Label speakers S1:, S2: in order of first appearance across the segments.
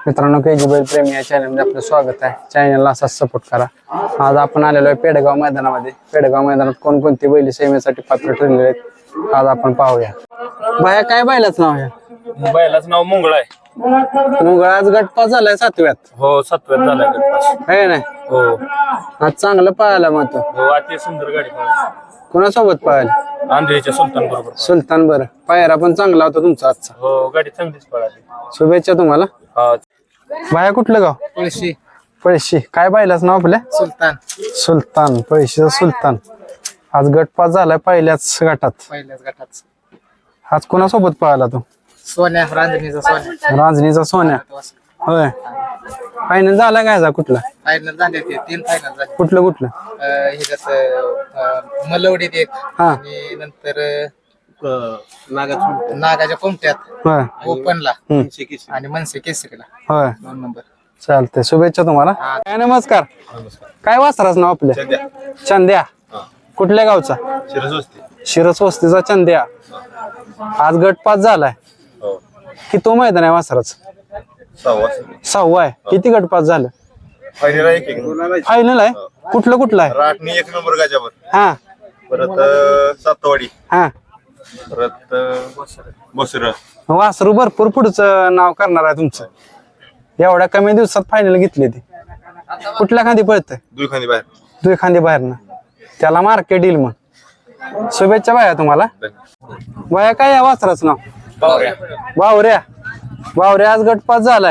S1: मित्रांनो केजी बैल प्रेमी या चॅनलमध्ये आपलं स्वागत आहे. चॅनलला असाच सपोर्ट करा. आज आपण आलेलो आहे पेडगाव मैदानामध्ये. पेडगाव मैदानात कोणकोणती बैल सेवेसाठी पात्र ठरलेले आहेत आज आपण पाहूया. बाया काय बैलाच नाव आहे?
S2: बैलाचं नाव मुंगळ आहे.
S1: मुंगळ आज गटपास झालाय 7व्यात.
S2: हो 7व्यात झालाय गटपास.
S1: आहे ना?
S2: हो
S1: आज चांगलं पळायला मग तो.
S2: हो अति सुंदर गाडी पळाली.
S1: कोणासोबत पळाली?
S2: आंधळीच्या सुलतान बरोबर.
S1: सुलतान. बरं, पायरा पण चांगला होता तुमचा आजचा.
S2: हो गाडी चांगलीच पळाली.
S1: शुभेच्छा तुम्हाला. बाया कुठलं गाव?
S3: पळशी.
S1: पळशी. काय बैलाच नाव आपल्या?
S3: सुलतान.
S1: सुलतान. पळशीचा सुलतान. आज गटपास झालाय पहिल्याच गटात.
S3: पहिल्याच गटात
S1: आज कोणासोबत पळाला तो?
S3: सोन्या, रांजणीचा सोन्या.
S1: रांजणीचा सोन्या. होय. फायनल झाला काय जा? कुठला
S3: फायनल झाले ते 3 फायनल झाले.
S1: कुठलं कुठलं?
S3: हे जसं मलवडीत एक
S1: हा.
S3: आणि नंतर नागाच्या कोमट्यात
S1: होय.
S3: ओपनला
S1: हम्म.
S3: आणि मनसे केसरीला
S1: होय.
S3: 2 नंबर.
S1: चालतंय. शुभेच्छा तुम्हाला. काय नमस्कार. काय वासराच नाव आपल्या? चंद्या. कुठल्या गावचा? शिरस वस्तीचा चंद्या. आज गटपास झालाय. किती तो मैदान आहे वासराच? 6वा आहे. किती गटपास झालं? फायनल आहे. कुठलं कुठलं आहे?
S4: राटणी 1 नंबर गाजावर.
S1: हा.
S4: परत सातवाडी.
S1: हा.
S4: परत बसर.
S1: वासरू भरपूर पुढचं नाव करणार आहे तुमचं. एवढ्या कमी दिवसात फायनल घेतली ती. कुठल्या खांदी पळतंय?
S4: दुखानी बाहेर.
S1: दुई खांदी बाहेरनं. त्याला मार्केट येईल मग. शुभेच्छा बाया तुम्हाला. बाया काय या वासराचं नाव? बावऱ्या. बावऱ्या आज गटपास झालाय.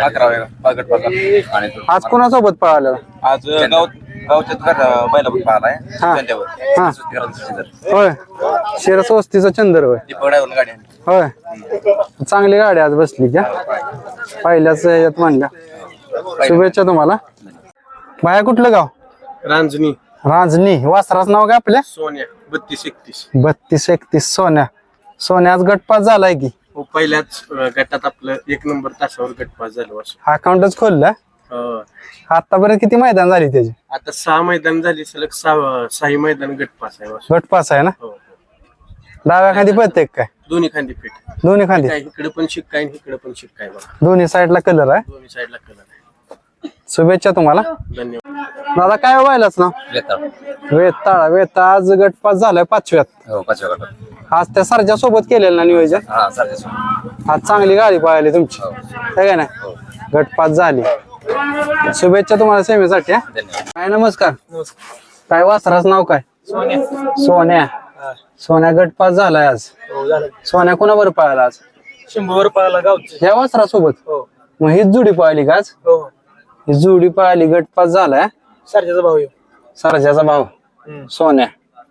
S1: आज कोणासोबत पळाला?
S4: आज गावच्यात बैला पण पाहिलाय.
S1: हा. हा. होय. शिरस वस्तीचा चंदर. होय. होय. चांगली गाडी आज बसली का? पहिल्याच यात म्हणल्या. शुभेच्छा तुम्हाला. बाया कुठलं गाव?
S4: रांजणी.
S1: रांजणी. वासराचं नाव काय आपल्या?
S4: सोन्या 32-31.
S1: 32-31 सोन्या. सोन्या आज गटपास झालाय की?
S4: हो पहिल्याच गटात आपलं 1 नंबर तासावर गटपास झालं वर्ष.
S1: अकाउंटच खोललं. आतापर्यंत किती मैदान झाली त्याची?
S4: आता 6 मैदान झाली सलग 6 मैदान गटपास आहे वर्ष.
S1: गटपास आहे ना?
S4: हो.
S1: डाव्या खांदी पळते काय?
S4: दोन्ही खांदी फिट.
S1: दोन्ही खांदी.
S4: इकडे पण शिक्का आहे इकडे पण शिक्का आहे बघा.
S1: दोन्ही साईडला कलर आहे.
S4: दोन्ही साईडला कलर आहे.
S1: शुभेच्छा तुम्हाला.
S4: धन्यवाद.
S1: दादा काय व्हायलाच ना? वेताळा. वेता आज गटपास झालाय 5व्यात.
S2: हो 5व्या गटात.
S1: आज त्या सरच्या सोबत केलेलं ना नियोजन? आज चांगली गाडी पळाली तुमची. है का ना? गटपास झाली. शुभेच्छा तुम्हाला सेवेसाठी. काय नमस्कार. काय वासराचं नाव काय? सोन्या. सोन्या गटपास झालाय आज. सोन्या कोणावर पळाला आज?
S3: शंभूवर पळाला गावचे.
S1: ह्या वासरासोबत? मग हीच जोडी पळाली का आज?
S3: हो.
S1: ही जोडी पळाली. गटपास झालाय.
S3: सरजाचा भाऊ येऊ.
S1: सरजाचा भाऊ सोन्या.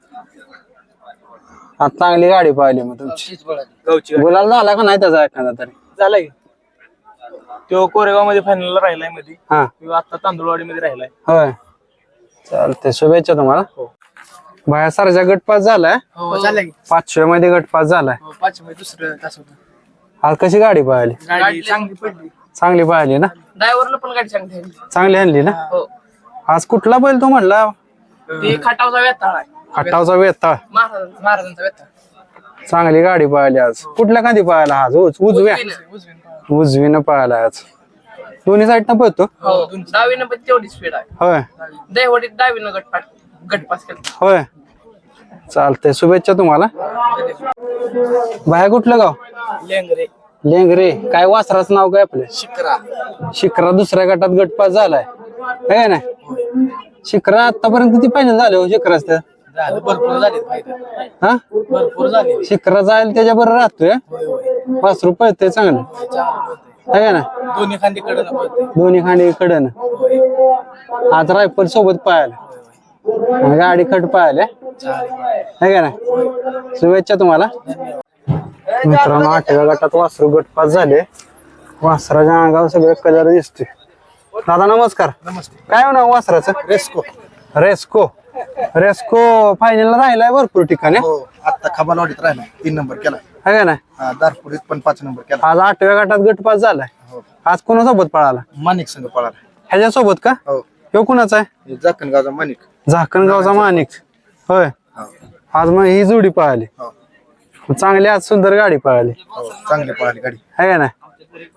S1: आज चांगली गाडी पळाली मग तुमची.
S3: गावची
S1: गुलाल झाला का नाही त्याचा एखादा तरी?
S3: झालाय. तो कोरेगाव मध्ये फायनल राहिलाय मध्ये.
S1: हा.
S3: आता तांदूळवाडी मध्ये राहिलाय.
S1: होय. चालते. शुभेच्छा तुम्हाला. बाया सरजा गटपास झालाय.
S3: हो झालाय.
S1: 5व्या मध्ये गटपास झालाय.
S3: 5 मध्ये दुसरं तास होतं.
S1: आज कशी गाडी पळाली?
S3: गाडी चांगली पडली.
S1: चांगली पळाली ना?
S3: ड्रायव्हरला पण गाडी चांगली आहे.
S1: चांगली आणली ना?
S3: हो.
S1: आज कुठला बैल तो म्हणला?
S3: ती खटावचा वेताळ आहे.
S1: खटावचा वेताळ.
S3: महाराजांचा वेताळ.
S1: चांगली गाडी पळाली आज. कुठल्या खांदी पळायला आज? उजव्या. उजवीनं पळायला आज. दोन्ही साईडनं पळतो.
S3: हो डावीनं पण तेवढी स्पीड आहे.
S1: होय.
S3: दहीवडीत डावीनं गटपास केला.
S1: होय. चालतंय. शुभेच्छा तुम्हाला. बाया कुठलं गाव?
S3: लेंगरे.
S1: लेंगरे. काय वासराचं नाव काय आपलं?
S3: शिकरा.
S1: शिखरा दुसऱ्या गटात गटपास झालाय. है ना? शिखरा आतापर्यंत किती फायनल झाले हो शिखराच?
S3: झालं भरपूर झाले फायदा.
S1: हा.
S3: भरपूर झाले.
S1: शिखरा जायला त्याच्या बरोबर राहतोय. वासरू पळतंय चांगलं. है ना?
S3: दोन्ही खांदी कडे
S1: दोन्ही खांदी कडन. आज रायफल सोबत पळायला. गाडी खट पळायला. है का ना? शुभेच्छा तुम्हाला. मित्रांनो 8व्या गटात वासरू गटपास झाले. वासराच्या अंगावर सगळे कलर दिसते. दादा नमस्कार.
S3: नमस्ते.
S1: काय नाव वासराचं?
S3: रेस्को.
S1: रेस्को. रेस्को फायनलला राहिलाय भरपूर ठिकाणी.
S5: हो आता खबालवाडीत राहिला 3 नंबर केला.
S1: है का ना?
S5: दारपुरीत पण 5 नंबर केला.
S1: आज 8व्या गटात गटपास झालाय. आज कोणासोबत पळाला?
S5: माणिक संघ पळाला.
S1: ह्याच्यासोबत का?
S5: हो.
S1: ह्यो कुणाचा आहे?
S5: जाकणगावचा माणिक.
S1: झाकणगावचा माणिक. होय. आज मग ही जोडी पळाली. चांगली आज सुंदर गाडी पळाली.
S5: चांगली पळाली गाडी.
S1: है का ना?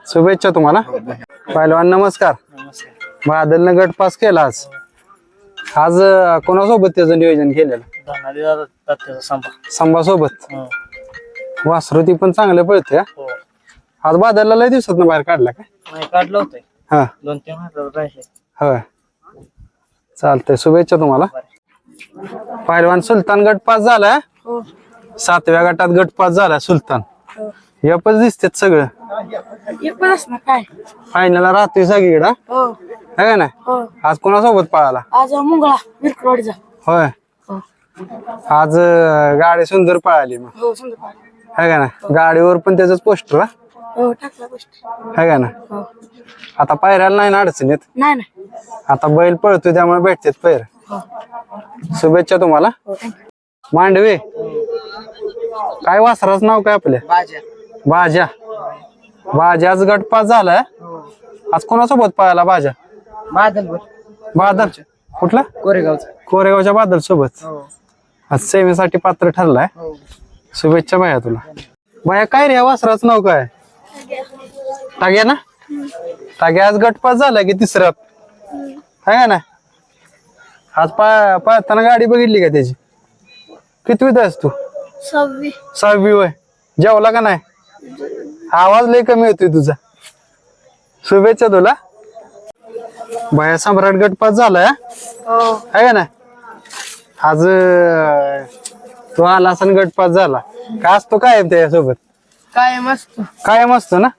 S1: शुभेच्छा तुम्हाला. पहिलवान नमस्कार. बादलनं गट पास केला आज. आज कोणासोबत त्याचं नियोजन केलेलं? संभा सोबत. वासरू ती पण चांगलं पळते. आज बादलला लय दिवसात बाहेर काढला काय?
S3: काढलं होतं
S1: हा
S3: 2-3 हजार राहिले.
S1: होय चालतंय. शुभेच्छा तुम्हाला. पहिलवान सुलतान गट पास झाला. 7व्या गटात गट पास झाला सुलतान. यापच दिसतात सगळं.
S6: काय
S1: फायनलला राहतोय सगळीकडे है ना. आज कोणासोबत पळाला?
S6: आज मुंगळा विरकरवाडीचा.
S1: होय आज गाडी सुंदर पळाली मग
S6: हो समजा
S1: है का ना. गाडीवर पण त्याच पोस्टर
S6: हो टाकला गोष्ट.
S1: है का ना.
S6: हो
S1: आता पायऱ्याला नाही ना अडचण येत.
S6: नाही नाही.
S1: आता बैल पळतोय त्यामुळे भेटतात पैर.
S6: हो
S1: शुभेच्छा तुम्हाला.
S6: हो थँक्यू.
S1: मांडवे काय वासराचं नाव काय आपल्या? बाजा. बाजाच गट पास झालाय. आज कोणासोबत पळाला बाजा? बादल कुठला? कोरेगावच्या बादल सोबत. आज सेवेसाठी पात्र ठरलाय. शुभेच्छा बाया तुला. बाया काय रे या वासराचं नाव काय? टाग्या ना. टाग्या आज गट पास झाला की तिसऱ्यात है ना. आज पळताना गाडी बघितली का त्याची? कितवीत आहेस तू? 6वी वय. जेवला का नाही? आवाज लय कमी होतोय तुझा. शुभेच्छा तुला. बाया सम्राट गट पास झालाय है ना. आज तो आला असा गट पास झाला. काय असतो काय त्याच्यासोबत? कायम असतो ना.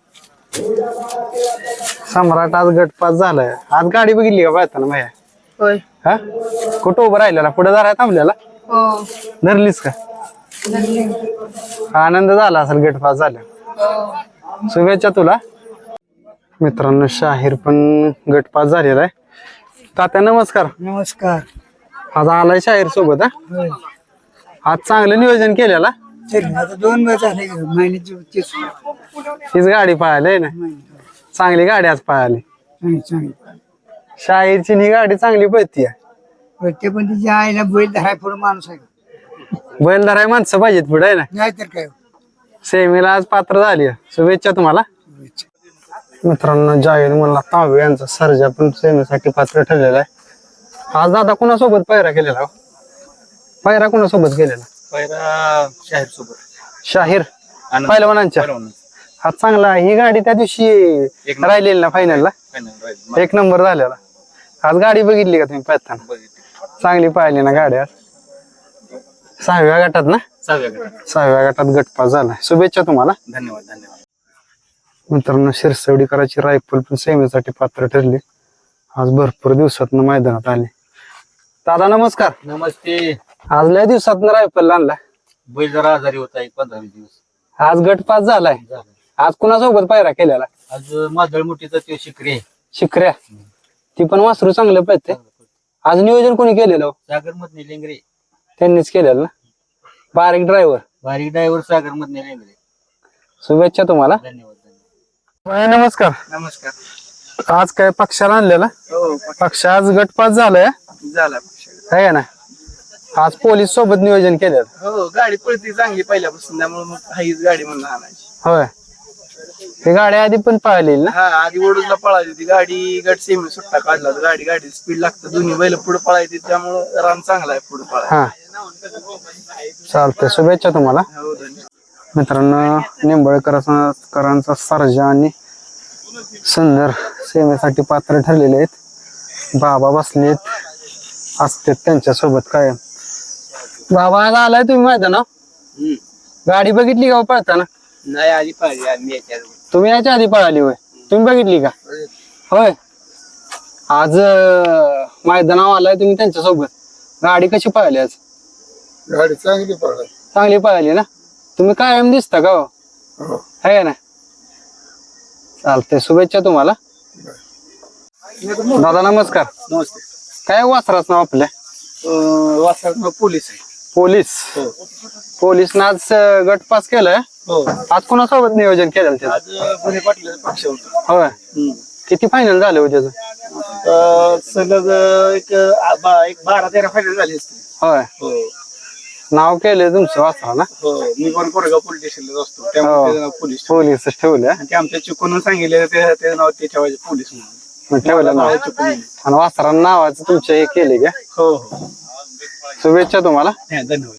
S1: सम्राट आज गट पास झालाय. आज गाडी बघितली का पळताना बाया?
S6: होय
S1: हा कुठं उभं राहिलेला? पुढे जरा थांबलेला.
S6: हो
S1: धरलीस का? आनंद झाला असेल गट पास झाला. शुभेच्छा तुला. मित्रांनो शाहीर पण गट पास झालेला आहे. तात्या नमस्कार.
S7: नमस्कार.
S1: आज आलाय शाहीर सोबत. आज चांगलं नियोजन केलेला.
S7: आता 2 महिने झाले महिन्याची
S1: हीच गाडी पळाली आहे ना. चांगली गाडी आज पळाली. शाहीरची ही गाडी चांगली पळतीये.
S7: ते पण तिच्या आईला बैल धराय पुढे माणूस आहे.
S1: बैलदार माणसं पाहिजेत पुढे ना.
S7: नाहीतर काय.
S1: सेमीला आज पात्र झाली. शुभेच्छा तुम्हाला. मित्रांनो जाहीर मला तांबे यांचा सर्जा पण सेमीसाठी पात्र ठरलेला आहे. आज दादा कोणासोबत पायरा केलेला? पायरा कोणासोबत केलेला?
S4: पहिला शाहीर सोबत.
S1: शाहीर पहिलवानांच्या. आज चांगला. ही गाडी त्या दिवशी राहिलेली ना फायनलला. 1 नंबर झालेला. आज गाडी बघितली का तुम्ही पळताना? चांगली पाहिली ना गाडी आज. 6व्या गटात ना. 6व्या गटात गटपास झाला. शुभेच्छा तुम्हाला.
S4: धन्यवाद.
S1: मित्रांनो शिरसवडीकरांची रायफल पण सेमीसाठी पात्र ठरली. आज भरपूर दिवसात मैदानात आले. दादा नमस्कार.
S3: नमस्ते.
S1: आज लय दिवसात रायफल आणला.
S3: बैल जरा आजारी होता 15-20 दिवस.
S1: आज गटपास झालाय. आज कुणासोबत पायरा केलेला?
S3: आज मादळ मोठीचा तो शिकरे.
S1: शिकऱ्या. ती पण वासरू चांगलं पळते. आज नियोजन कोणी केलेलं?
S3: सागर मधने लेंगरे
S1: त्यांनीच केलेलं ना. बारीक ड्रायव्हर.
S3: बारीक ड्रायव्हर सागर मधने लेंगरे.
S1: शुभेच्छा तुम्हाला.
S3: धन्यवाद.
S1: नमस्कार.
S4: नमस्कार.
S1: आज काय पक्षाला आणलेला? पक्ष आज गटपास झालाय
S4: झाला.
S1: आहे ना. आज पोलीस सोबत नियोजन केलेलं.
S4: हो गाडी पळती चांगली पहिल्यापासून त्यामुळे मग हाईच गाडी म्हणून आणायची.
S1: होय ही गाडी आधी पण पाहिलेली ना.
S4: हा आधी वडूजला पळायची होती गाडी. गट सेमी सुट्टा काढला होता. गाडी स्पीड लागतं. दोन्ही बैल पुढे पळायची त्यामुळे रान चांगला आहे पुढे पळायला.
S1: हा चालतंय. शुभेच्छा तुम्हाला.
S4: हो धन्यवाद.
S1: मित्रांनो निंबळकरांचा सर्जा आणि सुंदर सेवेसाठी पात्र ठरलेले आहेत. बाबा बसलेत असतात त्यांच्या सोबत काय. बाबा आज आलाय तुम्ही मैदानावर. गाडी बघितली का पळताना?
S4: नाही आधी पाहिजे आम्ही याच्या
S1: तुम्ही याच्या आधी पळाली होय. तुम्ही बघितली का? होय. आज मैदानावर आलाय तुम्ही त्यांच्या सोबत. गाडी कशी पळाली आज?
S5: गाडी चांगली पळाली.
S1: चांगली पळाली ना. तुम्ही कायम दिसता का? है ना. चालतंय. शुभेच्छा तुम्हाला. दादा नमस्कार.
S4: नमस्ते.
S1: काय वासराच नाव आपल्या?
S4: वासरात पोलीस आहे.
S1: पोलीस ना आज गट पास केलाय.
S4: हो
S1: आज कोणासोबत नियोजन केलं त्याचं?
S4: आज पुणे पाटलाचा पक्ष होता.
S1: होय. किती फायनल झाले हो त्याचं?
S4: सलग एक 12-13 फायनल झाली असते.
S1: होय.
S4: हो
S1: नाव केलंय तुमचं वाचला ना
S4: हो मी पण कोरेगाव पोलीस स्टेशनला असतो
S1: हो.
S4: त्यामुळे त्याचं नाव पोलीस
S1: पोलीस ठेवलं
S4: आणि ते आमच्या चुकून सांगितलेलं त्याचं नाव ते ठेवायचे पोलीस म्हणून
S1: ठेवलं नाव
S4: चुकून
S1: आणि वासरा नावाचं तुमच्या हे केले का
S4: हो हो
S1: शुभेच्छा तुम्हाला
S4: धन्यवाद.